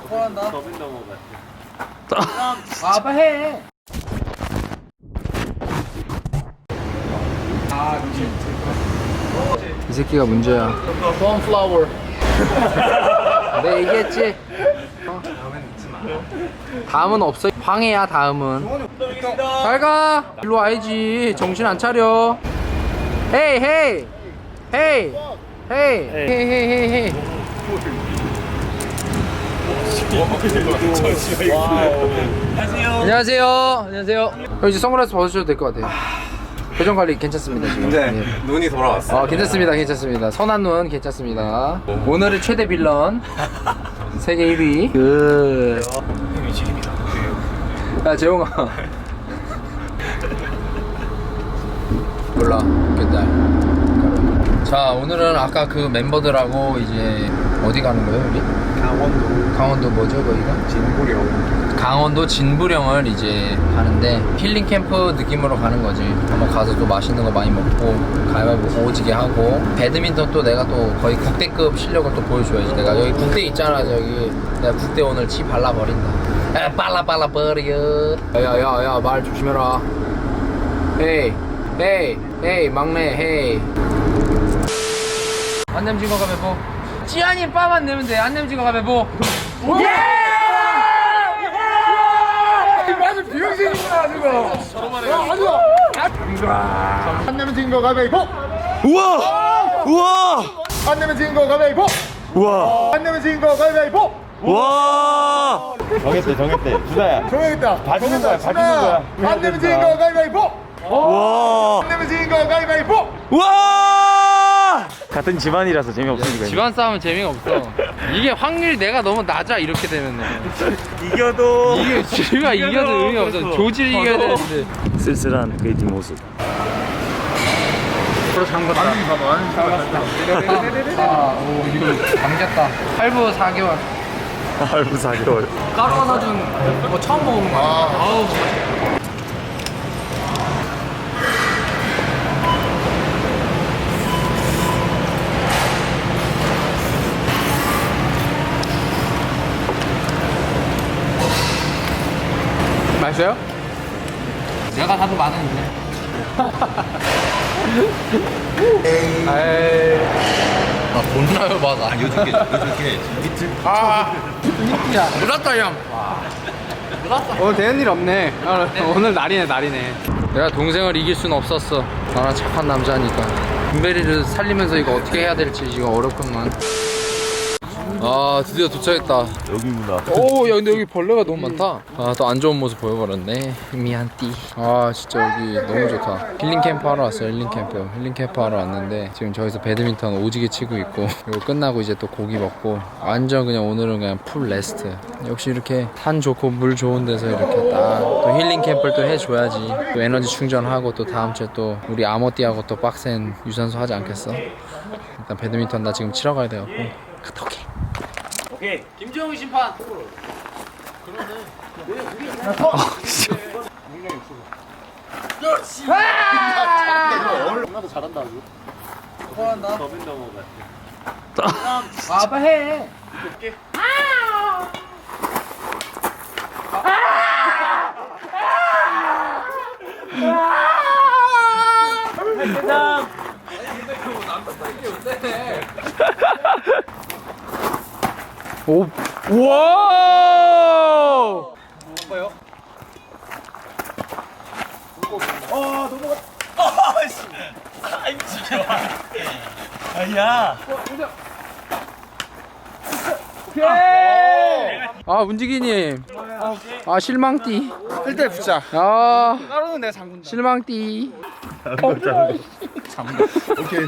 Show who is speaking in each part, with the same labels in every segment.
Speaker 1: 토한다.
Speaker 2: 더빙 넘어
Speaker 1: 아빠 해. 이 새끼가 문제야. 콘플라워. 내가 얘기했지. 다음은 없어. 황해야 다음은. 잘 가. 일로 와야지. 정신 안 차려. 헤이 헤이 헤이 헤이 헤이 헤이 헤이. 안녕하세요. 안녕하세요. 형 이제 선글라스 벗으셔도 될 것 같아요. 표정 관리 괜찮습니다 지금.
Speaker 2: 네,
Speaker 1: 예.
Speaker 2: 눈이 돌아왔어.
Speaker 1: 괜찮습니다, 괜찮습니다. 선한 눈 괜찮습니다. 오늘의 최대 빌런 세계 1위.
Speaker 2: 형이 지립니다.
Speaker 1: 야 재홍아. 몰라. 깼다. 자 오늘은 아까 그 멤버들하고 이제 어디 가는 거예요 우리? 강원도 뭐죠 거기가?
Speaker 2: 진구령.
Speaker 1: 강원도 진부령을 이제 가는데 힐링 캠프 느낌으로 가는 거지. 한번 가서 또 맛있는 거 많이 먹고 가위바위보 오지게 하고 배드민턴 또 내가 또 거의 국대급 실력을 또 보여줘야지. 내가 여기 국대 있잖아 저기. 내가 국대 오늘 치 발라버린다. 야 빨라 버려. 야야야 말 조심해라. 헤이 헤이 헤이 막내 헤이. 안냄진 거 가위바위보. 찌안이 빠만 내면 돼. 안냄진 거 가위바위보. 예! 맞아 비용생이구나 지금.
Speaker 3: 안 내면 진 거 가위바위보.
Speaker 2: 우와! 우와!
Speaker 3: 안 내면 진 거 가위바위보.
Speaker 2: 우와!
Speaker 3: 안 내면 진 거 가위바위보.
Speaker 2: 와! 정했대. 주다야.
Speaker 3: 정해야겠다.
Speaker 2: 봐주는 거야, 봐주는 거야.
Speaker 3: 안 내면 진 거 가위바위보.
Speaker 2: 와!
Speaker 3: 안 내면 진 거 가위바위보.
Speaker 2: 와! 같은 집안이라서 재미없으니까.
Speaker 1: 집안 싸움은 재미가 없어. 이게 확률이 내가 너무 낮아 이렇게 되면.
Speaker 2: 이겨도
Speaker 1: 이게 지가 이겨도 의미 없어. 조질 이겨야 되는데.
Speaker 2: 쓸쓸한 그의 뒷모습.
Speaker 1: 앞으로 잠궜다. 오 이거 감겼다. 할부 4개월.
Speaker 2: 할부 4개월.
Speaker 1: 까루가 사준 거 처음 먹어본 거야. 아우. 맛있어요? 내가 사도 많은데. 에이. 아 존나요 맞아.
Speaker 2: 요즘 게 밑을.
Speaker 1: 야 놀랐다 형. 놀랐어. 오늘 되는 일 없네. 오늘 날이네. 내가 동생을 이길 순 없었어. 나는 착한 남자니까. 김베리를 살리면서 이거 어떻게 해야 될지 지금 어렵구만. 아 드디어 도착했다.
Speaker 2: 여기구나.
Speaker 1: 오 야 근데 여기 벌레가 너무 많다. 아 또 안 좋은 모습 보여버렸네. 미안띠. 아 진짜 여기 너무 좋다. 힐링 캠프 하러 왔어요. 힐링 캠프 하러 왔는데 지금 저기서 배드민턴 오지게 치고 있고 이거 끝나고 이제 또 고기 먹고 완전 그냥 오늘은 그냥 풀 레스트. 역시 이렇게 산 좋고 물 좋은 데서 이렇게 딱 또 힐링 캠프를 또 해줘야지. 또 에너지 충전하고 또 다음 주에 또 우리 아모띠하고 또 빡센 유산소 하지 않겠어? 일단 배드민턴 나 지금 치러 가야 돼갖고 갔다 올게.
Speaker 2: 오케이.
Speaker 1: 김정은 심판.
Speaker 3: 나도 잘한다 아주.
Speaker 1: 토한다.
Speaker 2: 더빙 넘어
Speaker 1: 아빠 해. 오, 와!
Speaker 2: 뭐요? 아이 미치겠어. 아야.
Speaker 1: 아, 문지기님. 아, 실망띠.
Speaker 3: 1대 붙자.
Speaker 1: 아,
Speaker 3: 따로는 내가 잠근다.
Speaker 1: 실망띠.
Speaker 3: 오케이.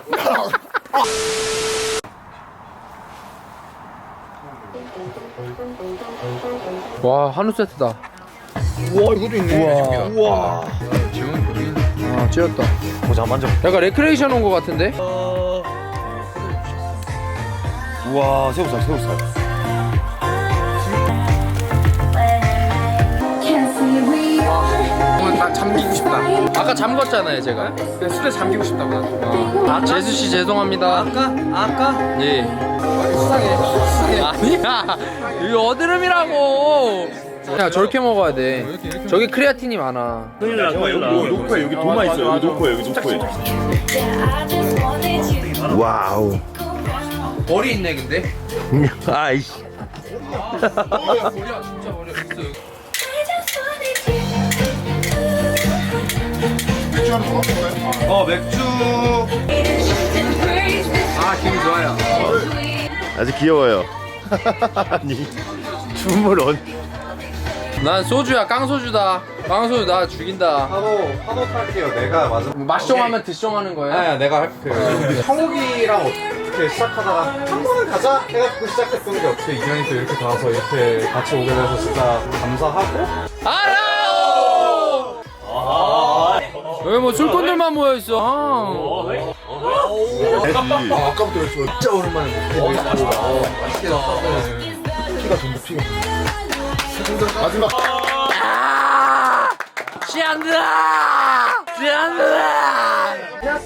Speaker 1: 와, 한우 세트다.
Speaker 3: 우와 이것도 있네. 우와.
Speaker 1: 아, 찌렸다.
Speaker 2: 보자 만져.
Speaker 1: 약간 레크레이션 온 거 같은데?
Speaker 2: 우와 새우살.
Speaker 1: 오늘 딱 잠기고 싶다. 아까 잠궜잖아요 제가.
Speaker 3: 술에 잠기고 싶다고.
Speaker 1: 재수 씨 죄송합니다.
Speaker 2: 아까?
Speaker 1: 예.
Speaker 3: 수상해.
Speaker 1: 아니야. 이거 어드름이라고. 야 저렇게 먹어야 돼. 저기 크레아틴이 많아.
Speaker 2: 큰일 나, 큰일 나. 여기
Speaker 4: 녹화해 여기 도마 있어 여기 녹화해 여기 녹화해 와우
Speaker 1: 머리 있네 근데.
Speaker 4: 아이씨
Speaker 1: 머리야 진짜 머리 있어.
Speaker 3: 맥주 하나 더 먹을까요?
Speaker 2: 맥주.
Speaker 1: 아 기분 좋아요.
Speaker 4: 아주 귀여워요 아니 춤을
Speaker 1: 난 소주야 깡소주다. 깡소주 나 죽인다.
Speaker 2: 파도 탈게요. 내가 맞아.
Speaker 1: 맛숑하면 드숑하는 거야?
Speaker 2: 네, 내가 형욱이랑 어떻게 시작하다가 한 번은 가자 해가지고 시작했던 게 어떻게 인연이 또 이렇게 닿아서 이렇게 같이 오게 돼서 진짜 감사하고.
Speaker 1: 알아요. 여기 뭐 술꾼들만 모여 있어.
Speaker 3: 아까부터 왜 진짜 오랜만에
Speaker 1: 맛있게 나왔어.
Speaker 3: 피가 전부 피가. 마지막.
Speaker 1: 시안드라. 시안드라.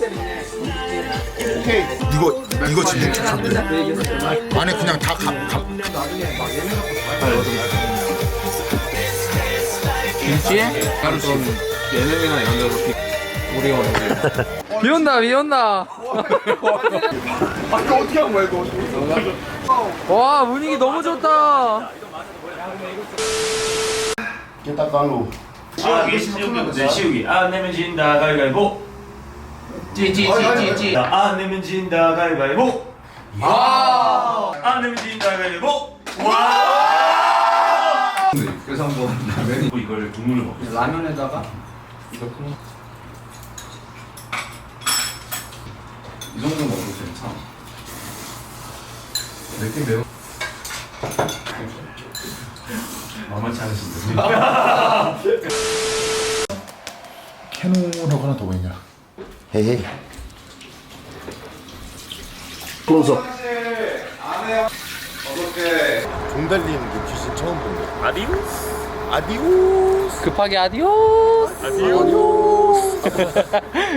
Speaker 3: 오케이. 이거 진짜 괜찮대. 안에 그냥 다
Speaker 1: 김치에? 가루 좀 예능이나 이런 데서 우리가 먹는 비 온다 비 온다.
Speaker 3: 아까 어떻게 한 거야 이거?
Speaker 1: 와 분위기 너무 좋다.
Speaker 3: 일단 깔로.
Speaker 2: 시우기. 안 내면 진다 가위바위보.
Speaker 1: 찌찌찌찌찌.
Speaker 2: 안 내면 진다 가위바위보. 안 내면 진다 가위바위보.
Speaker 3: 그래서 한번 라면이
Speaker 2: 이걸 국물을 먹고.
Speaker 1: 라면에다가
Speaker 3: 이 정도 먹어도 괜찮아. 느낌 매우.
Speaker 2: 만만치 않으신데.
Speaker 3: 캐논하고 하나 더 보이냐?
Speaker 4: 헤헤 클로즈업 종 달리는 그 귀신 처음 본다 아디오스
Speaker 1: 급하게 아디오스.
Speaker 4: 아디오스